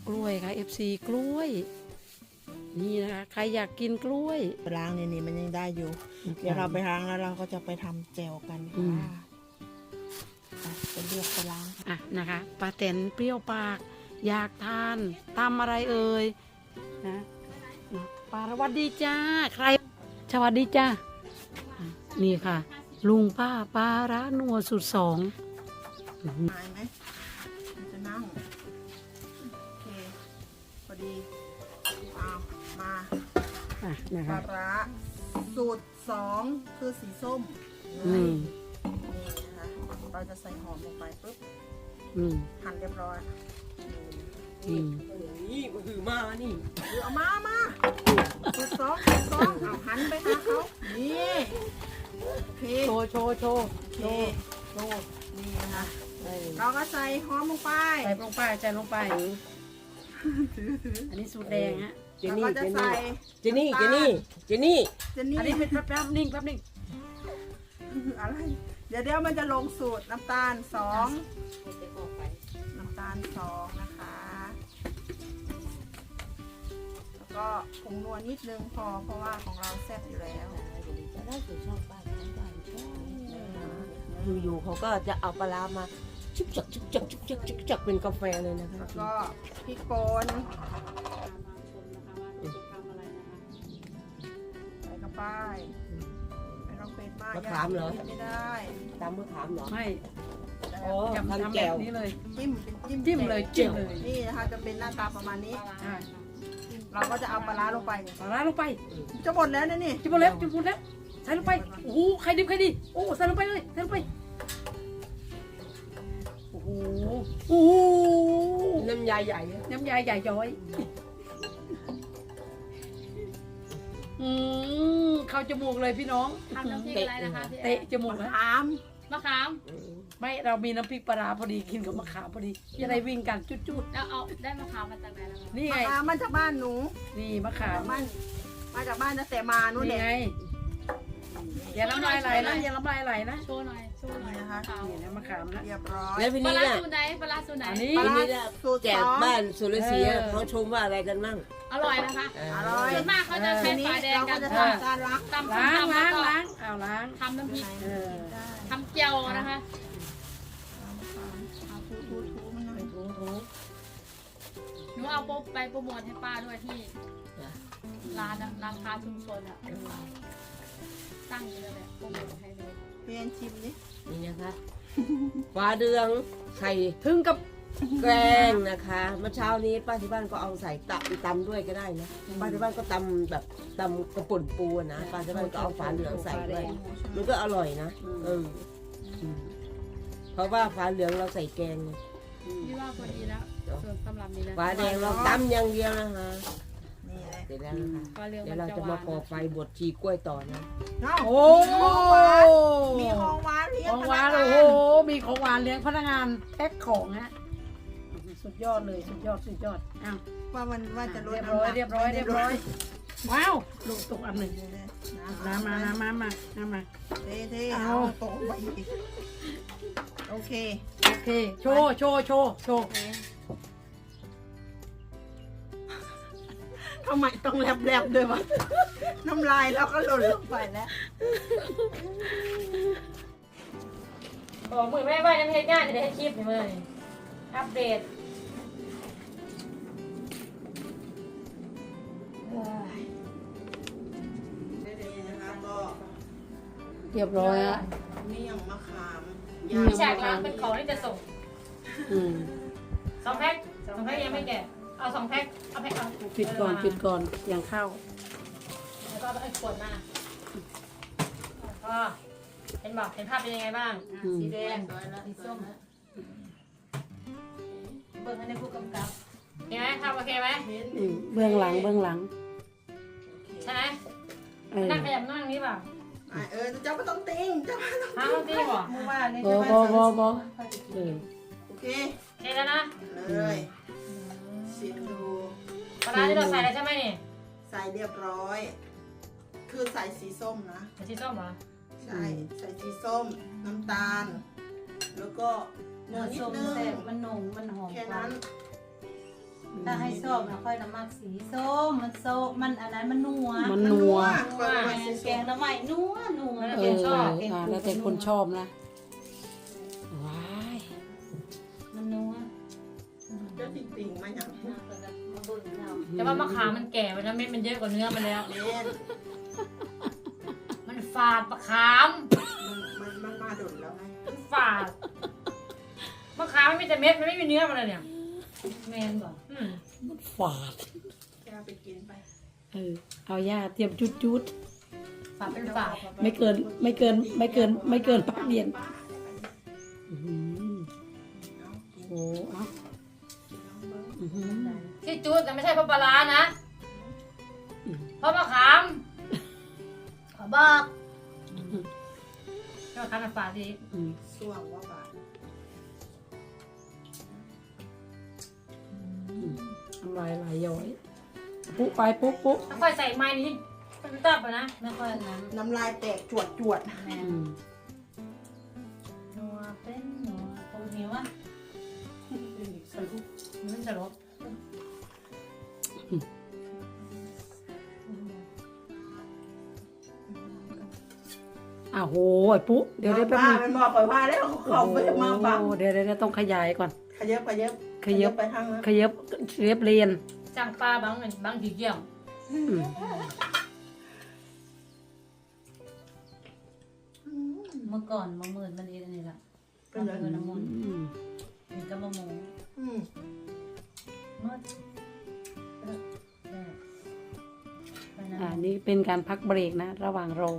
กล้วยค่ะ FC กล้วยนี่นะคะใครอยากกินกล้วยไปล้างนี่มันยังได้อยู่ เดี๋ยวเราไปล้างแล้วเราก็จะไปทำแจวกันค่ะไปเลือกไปล้างอ่ะนะคะป้าแตนเปรี้ยวปากอยากทานตำอะไรเอ่ยนะป้าสวัสดีจ้าใครสวัสดีจ้าอ่ะนี่ค่ะ ลุงป้าปลาร้านัวสุดสองหายไหมมันจะนั่งโอเคพอดีเอามาอ่ะนะปคะลาร้าสูตร2คือสีส้มอืมนี่นะคะเราจะใส่หอมลงไปปุ๊บอืมหั่นเรียบร้อยอืมนี่ก็คือมานี่เอามาสูตร2เอาหันไปหาเขานี่โอเคโชว์โชว์โชว์โอเคโชว์นี่นะคะเออเราก็ใส่หอมลงไปใส่ลงไปใส่ลงไปอันนี้สูตรแดงฮะเจเรานี่ก็จะใส่เจนี่เจนี่เจนี่เจนนี่อันนี้เป็นแป๊บๆนิ่งแป๊บนิ่งอะไรเดี๋ยวมันจะลงสูตรน้ำตาล2น้ำตาล2นะคะแล้วก็ผงนัวนิดนึงพอเพราะว่าของเราแซ่บอยู่แล้วอยู่ๆเขาก็จะเอาปลาร้ามาชุบจักชุบจักชุบจักชุบจักเป็นกาแฟเลยนะคะแล้วก็พริกป่นใส่เข้าไปไม่ต้องเป็นมากไม่ได้ตามมะขามเหรอไม่อ๋อทำทำแบแจ่วบนี้เลยจิ้มเป็นจิ้มเลยจิ้มเลยนี่นะคะจะเป็นหน้าตาประมาณนี้อ่ะเราก็จะเอาปลาร้าลงไปปลาร้าลงไปจะหมดแล้วนะนี่จิ้มหมดแล้วจิ้มหมดแล้วใส่ลงไปโอ้โหใครดิบใครดีโอ้ใส่ลงไปเลยใส่ลงไปโอ้โหโอ้โหน้ำยาใหญ่น้ำยาใหญ่ย้อยเข้าจมูกเลยพี่น้องทำน้ำพริกอะไรนะคะพี่แอเตะนจมูกนะถามมะขามไม่เรามีน้ำพริกปลาร้าพอดีกินกับมะขามพอดีจะได้วิ่งกันจุดแล้วเอาได้มะขามมาจากไหนล่ะคะๆนี่ไงมาจากบ้านหนูนี่มะขามมาจากบ้านตั้งแต่มานู่นนี่แหละไงอย่าน้ำลายไหลนะอย่าน้ำลายไหลนะโชว์หน่อยโชว์หน่อยนี่นะคะมะขามนี่นะมะขามนะเรียบร้อยแล้วพี่ปลานี่ร้าน่ะสูตรไหนปลาร้าสูตรไหนอันนี้พี่นี่น่ะสูตรแจก 2 บ้านสุรศรีเขาชมว่าอะไรกันมั่งอร่อยนะคะอร่อยส่วนมากเขาจะใช้ทีนี้ฝาแดงเรากัก็นจะทำการล้างตำล้างตำล้าแล้วงก็ล้างเอาล้างทำน้ำพริกเออได้ทำเจียวนะคะเอาทูมันหน่อยถูถูหนูเอาไปโปรโมทให้ป้าด้วยที่ร้านอะร้านค้าชุมชนอะตั้งอยู่เลยโปรโมทให้เลยเพียนชิมดินี่นะคะฟ้าเดืองไข่ถึงกับแกงนะคะเมื่อเช้านี้ป้าที่บ้านก็เอาใส่ตำด้วยก็ได้นะป้าที่บ้านก็ตำแบบตำกระป่นปูอะนะป้าที่บ้านก็เอาฟ้าเหลืองใส่ด้วยมันก็อร่อยนะอืมเพราะว่าฟ้าเหลืองเราใส่แกงไงพี่ว่าพอดีแล้วส่วนสำหรับนี้แล้วฟ้าแดงเราตำอย่างเดียวนะคะนี่เลยเสร็จแล้วนะคะฟ้าเหลืองเดี๋มัยวน เราจะจะหมาวานก่อไฟบดชีกล้วยต่อนะโอ้มีของหวานเลี้ยขงองพหวานันกโอ้งาโหนมีของหวานเลี้ยงพนักงานแพ็คของฮะสุดยอดเลยสุดยอดสุดยอดอ้าวว่าจะลดเรียบน้ำร้หอยนักเรียบร้อยเรียบร้อยว้าวลูกตกอันหนึ่งน้ำน้ำมาเทเอาเอาตกไปอีกโอเคโอเคโชว์โชว์โชว์โชว์ทำไมต้องแลบๆด้วยวะน้ำลายเราก็หล่นลงไปแล้วบอกมือแม่ว่าจะไม่ให้งานจะได้ให้คลิปเลยอัปเดตนะคะก็เรียบร้อยอะเมี่ยงมะขามพี่ชายร้านเป็นของที่จะส่งอืม 2 แพ็ค2 แพ็คยังไม่แกะเอา2 แพ็คเอาแพ็คเอาปิดก่อนปิดก่อนอย่างเข้าแล้วก็เอาไอ้ขวดมาก็เห็นบอกเห็นภาพเป็นยังไงบ้างสีแดงสีส้มเบิ่งให้ในผู้กำกับเห็นไหมภาพโอเคไหมเบื้องหลังเบื้องหลังใช่ไหมเออนั่งขยับนั่งนี้เปล่าเจ้าก็ต้องติ้งเจ้าก็ต้องห้ามตีบ่มึงว่านี่โบใช่ไหมโบเออโอเคโอเคแล้วนะเลยชิมดูปลาร้าที่เราใส่แล้วใช่ไหมนี่ใส่เรียบร้อย คือใส่สีส้มนะสีส้มเหรอใช่ ใส่สีส้ม น้ำตาล แล้วก็เนื้อนิดนึงมันหนุ่มมันหอมแค่นั้นถ้าให้ส้มนะค่อยน้ำมักสีส้มมันโซมันอันนั้นมันนัวมันนัวแกงน้ำใหม่นัวนัวเออแล้วแต่คนชอบนะว้ายมันนัวเจ้าติ่งๆมาอย่างมาบุญเราแต่ว่ามะขามมันแก่ไปนะเม็ดมันเยอะกว่าเนื้อมันแล้วเล่นมันฝาดมะขามมันมาดุนแล้วไงมันฝาดมะขามมันมีแต่เม็ดมันไม่มีเนื้อมันเลยเนี่ยแมนบอกอืมมันฝาดแกเอาไปกินไปเอาย่าเตรียมจุดฝาดเป็นฝาดๆไม่เกินพักเดียนอื้อหือเอากินโอ้เอากินน้องเบิ้งอื้อหือที่จุดแต่ไม่ใช่เพราะปลาร้านะเพราะมะขามขอบอกมะขามมันฝาดดีอืมส่วงว่าบาทน้ำลายไหลย้อยปุ๊ไปปุ๊ปุ๊ถ้าค่อยใส่ไม้นี้เป็นตับอะนะไม่ค่อยนั้นน้ำลายแตกจวดแมนอืมนัวเป็นนัวตรงนี้วะมันจะลบอ้าวโหยปุ๊เดี๋ยวได้แป๊บป้านึงมันบอกไปว่าแล้วเขาไปมาบังโอ้เดี๋ยวต้องขยายก่อนขยับขยับไปทางนั้นขยับเรียบเรียนจ้างปลาบางทีเกี่ยวอืมเมื่อก่อนมะมื่นมันเองนี่แหละเป็นไรมะมื่นน้ำมันอืมเห็นกับมะม่วงอืมเมื่อไปนะนี่เป็นการพักเบรกนะ ระหว่างรอ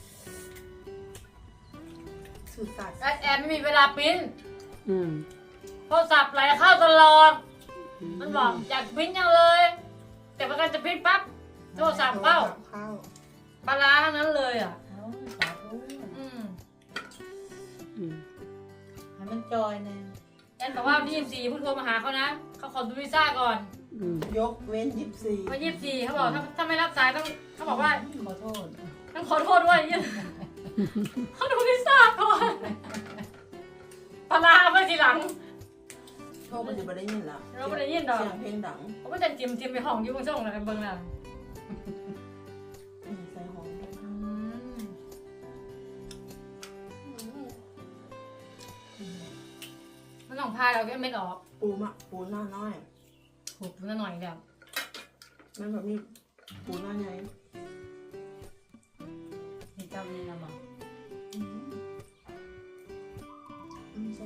สูตรศาสตร์แอดไม่มีเวลาปริ้นอืมโทรศัพท์ไหลเข้าตลอด มันบอกอยากปริ้นยังเลย แต่พอกันจะปริ้นปั๊บโทรศัพท์เข้าเข้าปลาร้าทั้งนั้นเลยอ่ะเอาสาธุอืมอืมให้มันจอยแน่แอนบอกว่าวันที่24เพิ่งโทรมาหาเขานะเขาขอดูวีซ่าก่อนอืมยกเว้น24 วัน24เขาบอกถ้าไม่รับสายต้องเขาบอกว่าขอโทษต้องขอโทษด้วยเนี่ยเขาดูวีซ่าก่อนปลาร้าเอาไว้ทีหลังโทษมันจะไม่ได้ยินแล้วเราไม่ได้ยินดอกเสียงเพลงดังเขาก็จะจิ้มไปห้องอยู่บนช่องอะไรเบิ่งน่ะใส่หอมด้วยอืมมันต้องพาเราก็ไม่ออกปูหน้าน้อยหุบมันหน่อยแบบมันแบบนี้ปูหน้าใหญ่มีเจ้านี่นะบอกใช่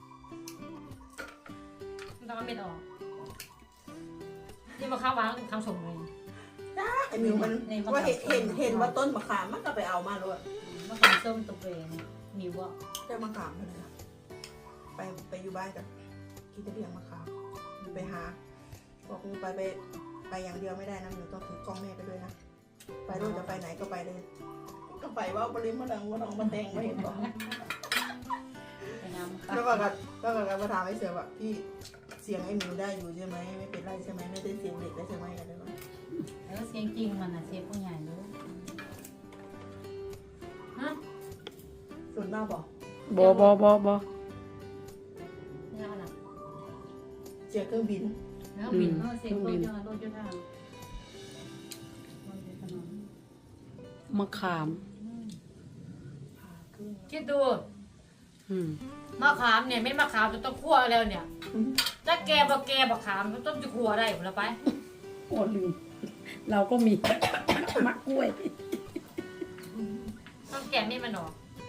มันต้องเอาเม็ดออกนี่มาข้าววางถึงคำสมเลยไอ้มิวมันว่าเห็นว่าต้นมะขามมันก็ไปเอามาด้วยมะขามส้มตัวเองมีว่าเจ้ามะขามมันนะไปอยู่บ้านกับกินแต่เพียงมะขามไปหาบอกกูไปอย่างเดียวไม่ได้นะหนูต้องถือกล้องแม่ไปด้วยนะไปด้วยจะไปไหนก็ไปเลยก็ไปว่าบริมะดังว่าน้องมาแตงไม่เห็นบอกไปน้ำแล้วก็มาถามไอ้เสือว่าพี่เสียงไอ้มิวได้อยู่ใช่ไหมไม่เป็นไรใช่ไหมไม่ได้เสียงเด็กได้ใช่ไหมอะไรวะแล้วเสียงจริงมันอะเสียงผู้ใหญ่ด้วยฮะส่วนมากบอกบอนี่อะไรเสียงเครื่องบินแล้วบินเสียงรถยนต์รถยนต์ทางมะขามคิดดูอืมมะขามเนี่ยเม็ดมะขามจะต้องคั่วแล้วเนี่ยถ้าแกบักขามมันต้องจะคั่วได้ผมละไปโอ้ลืมเราก็มี มะกล้วยต้องแกะนี่มันออก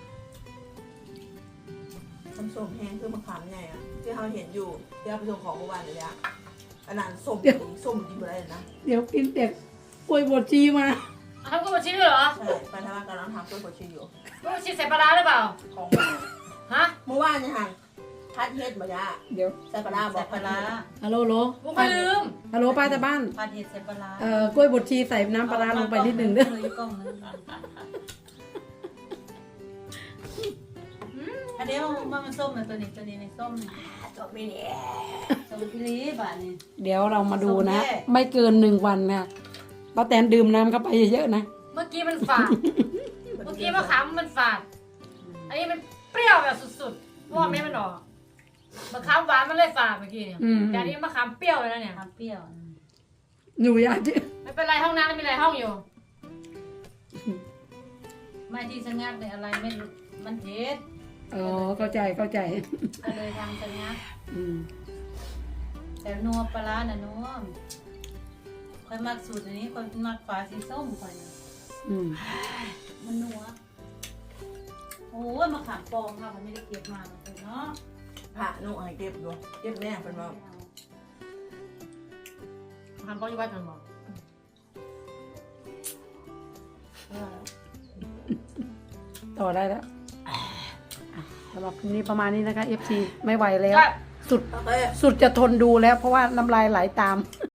ส้มแห้งคือมะขามไงอ่ะที่เขาเห็นอยู่ที่เราไปส่งของเมื่อวานเลยอะอันนั้นส้มกินไปได้เลยนะเดี๋ยวกินเด็กกล้วยบดชีมาทำกุ้งชิ้นด้วยเหรอใช่ไปทำงานกำลังทำกล้วยบดชีอยู่กุ้งชิ้นใส่ปลาร้าหรือเปล่าของฮะเมื่อวานเนี่ยค่ะพัดเฮ็ดมาจ้ะเดี๋ยวใส่ปลาร้าบใส่อกปลาร้าฮัลโหลกุ้งไม่ลืมฮัลโหลป้าแต่บ้านผัดเห็ดใส่ปลาร้ากล้วยบดชีใส่น้ำปลาร้าลงไปนิดหนึ่งเด้อกล้องนึงอันนี้มันส้มนะตัวนี้ในส้มส้มพิลีบะนี่เดี๋ยวเรามาดูนะส้มแย่ไม่เกิน1 วันนะป้าแตนดื่มน้ำเข้าไปเยอะๆนะเมื่อกี้มันฝาด เมื่อกี้มะขามมันฝาด อันนี้มันเปรี้ยวแบบสุดๆเพราะว่าเม็ดมันออกมะขามหวานมันเลยฝากเมื่อกี้เนี่ยอืมแต่อันนี้มะขามเปรี้ยวเลยนะเนี่ยทำเปรี้ยวหนูอยากจะไม่เป็นไรห้องน้ำมีอะไรห้องอยู่ไม่ที่ชะงักเนี่ยอะไรไม่รู้มันเผ็ดอ๋อเข้าใจเข้าใจก็เลยทำชะงักอืมแต่นัวปลาร้าน่ะนัวค่อยมักสูตรอันนี้ค่อยมักฝาสีส้มค่อยนะอืมมันนัวโอ้ยมะขามปองค่ะมันไม่ได้เก็บมาเหมือนกันเนาะผ่าหนูให้เก็บดูเก็บแม่เป็นว่าทำป้องอยู่บ้านกันบอกต่อได้แล้วอ่ะสำหรับคลิปนี้ประมาณนี้นะคะ FC ไม่ไหวแล้ว สุดโอเคสุดจะทนดูแล้วเพราะว่าน้ำลายไหลตาม